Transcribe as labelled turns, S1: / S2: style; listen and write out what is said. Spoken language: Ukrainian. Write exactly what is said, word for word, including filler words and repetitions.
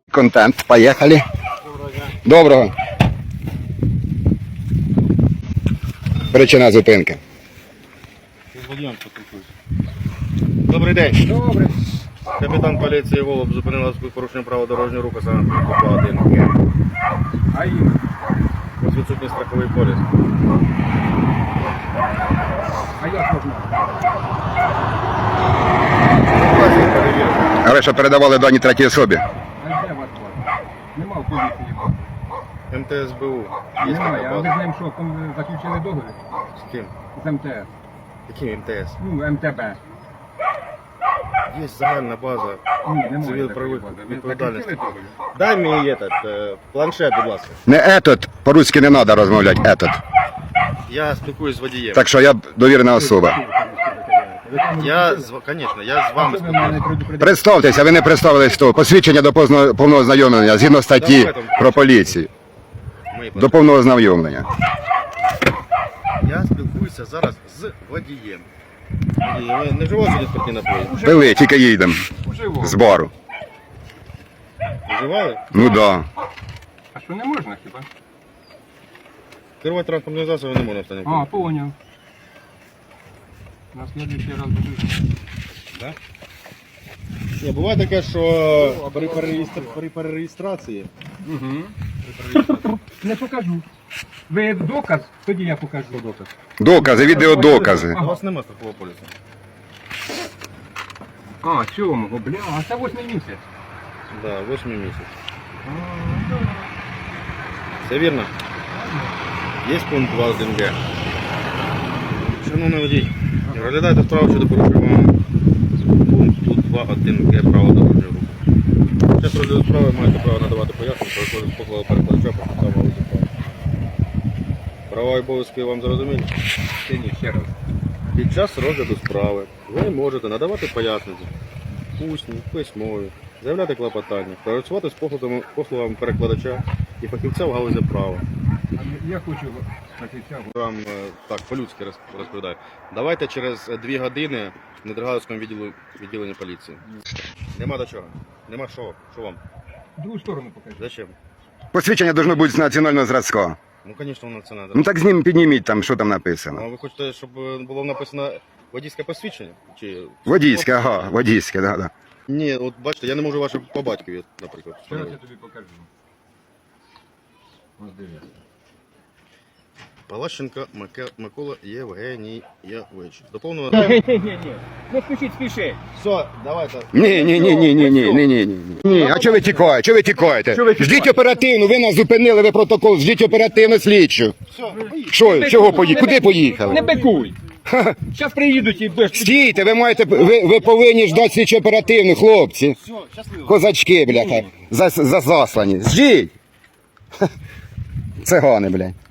S1: Контент. Поїхали. Доброго. Причина зупинки.
S2: Добрий день.
S3: Добре.
S2: Капітан поліції Голуб зупинив нас з порушенням права дорожнього руху саме по один.
S3: А їм?
S2: Ось відсутній страховий поліс.
S3: А як можна?
S1: А ви що передавали дані третій особі?
S3: А де вас бачить? Нема в поліції.
S2: ем те ес бе у. Є
S3: Немає,
S2: така
S3: а ви з
S2: база.
S3: ним що, ком- заключили договір?
S2: З ким?
S3: З ем те ес?
S2: Яким ем те ес?
S3: Ну, ем те бе.
S2: Є загальна база.
S3: Ні, немає
S2: Цивіл
S3: такої
S2: правових
S3: бази. Ви
S2: відповідальності.
S3: заключили договір?
S2: Дай мені этот, е, планшет, будь ласка.
S1: Не етот, по-руськи не треба розмовляти, етот.
S2: Я спілкуюсь з водієм.
S1: Так що я довірена особа.
S2: Я, з- конечно, я з вами
S3: Що ви мене
S2: спілкуюсь.
S3: предупредили?
S1: Представтеся, ви не представились того. Посвідчення до позно- повного знайомлення згідно статті про поліцію.
S2: Мої
S1: До повного знайомлення.
S2: Я спілкуюся зараз з водієм. Водій, ви не вживали сьогодні спиртні напої?
S1: Пили, тільки їдемо
S3: Живо.
S1: з бару.
S2: Вживали?
S1: Ну да.
S3: А що не можна хіба?
S2: Керувати транспортним засобом не можна в стані.
S3: А, поняв. На следующий раз буду.
S2: Да? Ні, буває таке, що при, перереєстр... при перереєстрації
S3: Угу. Не покажу. Ви доказ? Тоді я покажу. Доказ.
S1: Докази, відеодокази.
S2: у вас немає страхового полісу.
S3: А, сьомого, бля, а це восьмий місяць.
S2: Да, восьмий місяць. Все вірно? Є пункт два один ге. Шановний водій, розглядайте справу щодо порушення пункту два один ге права дорожнього руху. Час розгляду справи маєте право надавати пояснення, про виконання послуги перекладача по підставам галузі права. Права і обов'язки вам зрозумілі?
S3: Ще ні, ще раз.
S2: Під час розгляду справи ви можете надавати пояснення, усні, письмові, заявляти клопотання, працювати з послугами, послугами перекладача і фахівця в галузі права.
S3: А я хочу фахівця.
S2: Вам е, так по-людськи роз- розповідаю. Давайте через е, дві години в Недергалівському відділу, відділенні поліції. Нема до чого. Нема що. Що вам?
S3: Другу сторону покажи.
S2: Зачем?
S1: Посвідчення должно бути з національного зразка.
S2: Ну, звісно, воно це треба.
S1: Ну так з ним підніміть там, що там
S2: А
S1: написано.
S2: ви хочете, щоб е, було написано водійське посвідчення? Чи...
S1: Водійське, ага, водійське, да, да.
S2: Ні, от бачите, я не можу ваше по батькові, наприклад.
S3: Зараз я тобі покажу. Ось дивіться.
S2: Палащенко Маке- Микола Євгенійович. До повного...
S3: Ні-ні-ні, не спішіть, спішіть.
S2: Все, давайте.
S1: Ні, ні, ні, ні, ні, ні, ні, ні, ні. Ні, а чого ви тікаєте? Чого ви тікаєте?
S3: Чого ви тікаєте?
S1: Ждіть оперативно, ви нас зупинили, ви протокол, ждіть оперативно слідчу.
S2: Все,
S1: Що, чого поїхали? Куди поїхали?
S3: Не бикуй. Зараз приїдуть і будеш.
S1: Стійте, ви маєте, ви, ви повинні ждати слідчу оперативну, хлопці.
S2: все, щасливо.
S1: Козачки, бляха, за, за заслані. Ждіть. Цигани, блядь.